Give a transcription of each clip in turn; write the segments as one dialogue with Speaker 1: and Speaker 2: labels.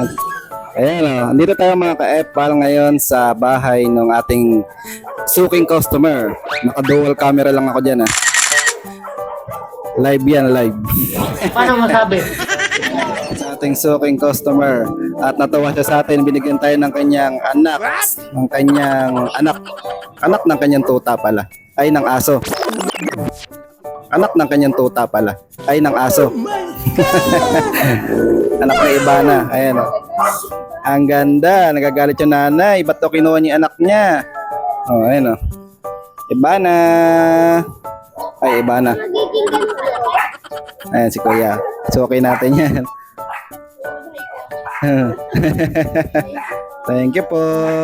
Speaker 1: Ayan o, andito tayo mga ka-epal ngayon sa bahay ng ating suking customer. Naka-dual camera lang ako dyan Live yan, live.
Speaker 2: Paano masabi?
Speaker 1: Sa ating suking customer. At natuwa siya sa atin, binigyan tayo ng kanyang anak. Ng kanyang anak. Anak ng kanyang tuta pala. Ay, ng aso. Anak ng kanyang tuta pala. Ay, ng aso. Anak na iba na. Ayan o. Ang ganda. Nagagalit yung nanay. Ba't to kinuha niya anak niya? O, ayan o. Iba na. Ay, iba na. Ayan si Kuya. So, okay natin yan. Thank you po.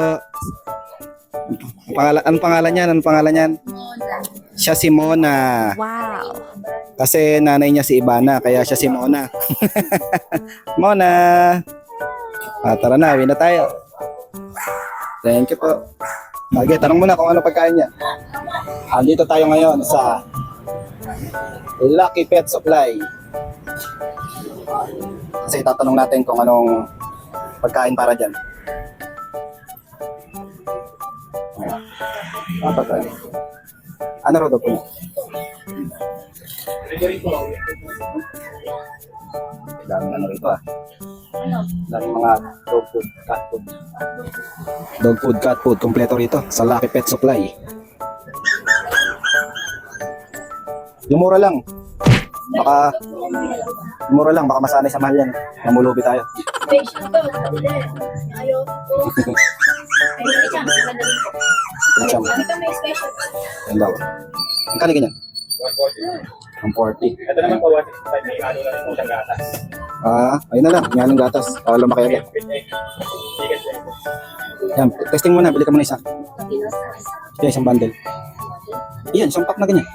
Speaker 1: Anong pangalan niyan? Anong pangalan niyan? Siya si Mona.
Speaker 3: Wow.
Speaker 1: Kasi nanay niya si Ibana, kaya siya si Mona. Mona. Tara na, uwi na tayo. Thank you po. Okay, tanong muna kung ano pagkain niya. Andito tayo ngayon sa Lucky Pet Supply. Kasi tatanong natin kung anong pagkain para dyan. Pagkain. Ano ro daw po? Daming ano rito Daming mga dog food, cat food. Dog food, cat food, kompleto rito sa Lucky Pet Supply. Yung mura lang. Baka masanay sa mahal yan. Namulubi tayo. Yan daw. Ang kani ganyan? 140.
Speaker 2: Ito naman po, 165 may ano na rin po siyang gatas.
Speaker 1: Ayun na lang. Yan ang gatas. Para lumaki agad. Yan, testing muna. Bili ka muna isa. Yan, isang bundle. Yan, isang pack na ganyan.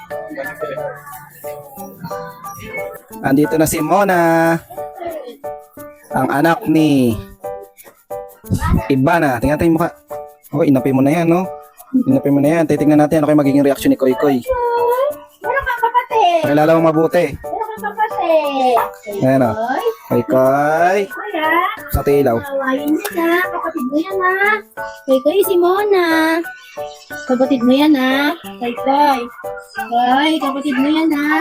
Speaker 1: Andito na si Mona. Ang anak ni Ibana. Tingnan natin yung mukha. Oh, inapay mo na yan, no? Inapay mo na yan. Titingnan natin ano kayo magiging reaction ni Koy Koy. Pakilala mo mabuti. Ayan o. Koy Koy. Sa tilaw.
Speaker 4: Kawain mo na. Kapatid mo yan ha. Koy Koy, si Mona. Kapatid mo yan ha. Koy Koy. Koy, kapatid mo yan ha.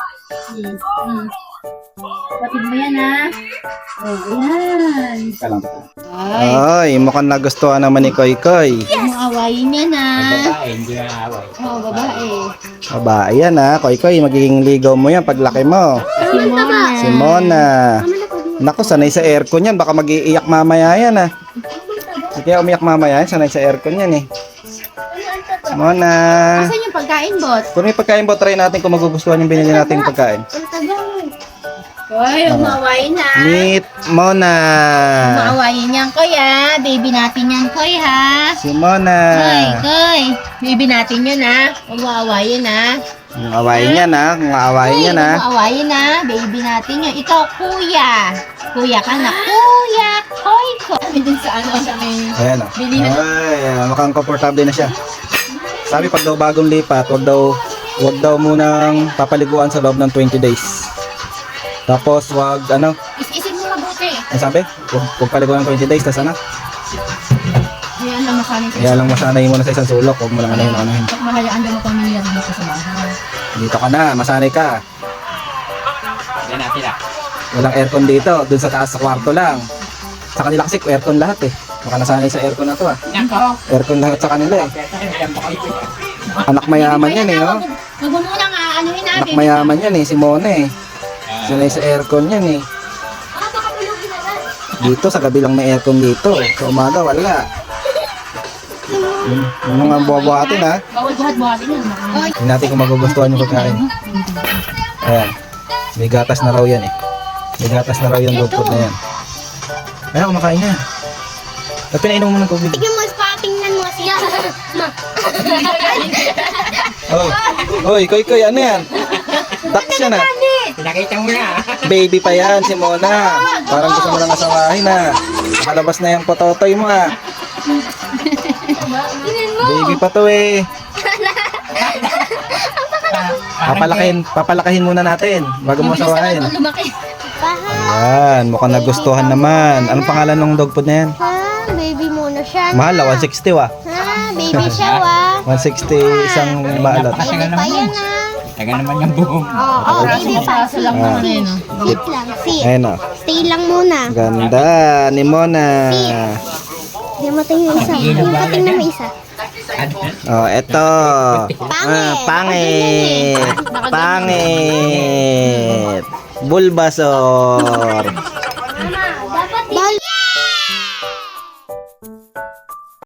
Speaker 4: Kapatid mo yan ha. Oh, ayan.
Speaker 1: Ay, mukhang nagustuhan naman ni Koy Koy.
Speaker 4: Yes! Mo awayin yan ha.
Speaker 2: Babae, hindi na away.
Speaker 4: Oo, babae.
Speaker 1: Babae yan ha. Koy Koy, magiging ligaw mo yan paglaki mo.
Speaker 4: Si Mona.
Speaker 1: Si Mona. Naku, sanay sa aircon yan. Baka mag-iiyak mamaya yan ha. Kaya umiyak mamaya yan. Sanay sa aircon yan eh. Mona.
Speaker 4: Asan yung pagkain, bot?
Speaker 1: Kung may pagkain ba, try natin kung magugustuhan yung binili nating pagkain.
Speaker 4: Koy, umawayin ha.
Speaker 1: Meet Mona.
Speaker 4: Umawayin yan, Koy ha. Baby natin yan, Koy ha.
Speaker 1: Si Mona.
Speaker 4: Koy. Baby natin yun ha. Umawayin ha.
Speaker 1: Kung awayin niya na. Kung awayin niya na.
Speaker 4: Umawayin ha. Baby natin yun. Ikaw, kuya. Kuya ka na. Kuya. Koy. Kami dun sa ano, sa may...
Speaker 1: Ayan o.
Speaker 4: Bilihan.
Speaker 1: Ay, mukhang komportable na siya. Sabi pag daw bagong lipat, wag daw munang papaliguan sa loob ng 20 days. Tapos wag ano?
Speaker 4: Is-isin mo mabuti.
Speaker 1: Ano sabi? Kung paliguan ng 20 days, tas ano?
Speaker 4: Ayan lang masanay sa
Speaker 1: Kaya lang masanay mo na sa isang sulok, huwag mo lang ano yun.
Speaker 4: Pag mahayaan mo pamilya dito sa bahay.
Speaker 1: Dito ka na, masanay ka.
Speaker 2: Yan natin ah.
Speaker 1: Walang aircon dito, dun sa taas sa kwarto lang. Sa kanila kasi aircon lahat eh. Baka nasanay sa aircon na to
Speaker 2: Nako.
Speaker 1: Aircon lahat sa kanila eh. Anak mayaman yan eh, no?
Speaker 4: Huwag mo munang anuhin
Speaker 1: Anak
Speaker 4: natin.
Speaker 1: mayaman yan eh, si Mona eh. Sanay sa aircon yan eh.
Speaker 4: Baka pulugin na lang.
Speaker 1: Dito, sa gabi lang may aircon dito. Sa umaga, wala. Yung mga buhabuhatin ha.
Speaker 4: Bawal buhat-buhatin yun.
Speaker 1: Hindi natin kung magugustuhan yung pagkain. Ayan. May gatas na raw yan eh. May gatas na raw yung dog food na yan. Ayan, kumakain na. At pinainom mo ng tubig.
Speaker 4: Tignan mo, patingnan mo siya.
Speaker 1: Oh. Oy, Koy, ano yan? Duck siya na.
Speaker 2: Pinakita mo na.
Speaker 1: Baby pa yan, si Mona. Parang gusto mo lang asawahin ha. Nakalabas na yung pototoy mo ha. Baby pa to eh. Papalakahin muna natin bago mo asawahin.
Speaker 4: Lumaki.
Speaker 3: pa ha.
Speaker 1: Ayan, mukhang nagustuhan naman. Anong pangalan ng dog food na yan?
Speaker 3: Ha, baby muna siya na.
Speaker 1: Mahal, 160 wa.
Speaker 3: Ha, baby siya wa.
Speaker 1: 160 isang balot.
Speaker 3: Baby pa yan ha.
Speaker 2: Taga naman yung buhong.
Speaker 3: Oo, baby pa. Sit lang, sit.
Speaker 1: Ayun o.
Speaker 3: Stay lang muna.
Speaker 1: Ganda ni Mona.
Speaker 3: Hindi mo tingnan yung isa. Hindi mo tingnan mo isa.
Speaker 1: Oh, eto. Pangit. Pangit. Bulbasaur.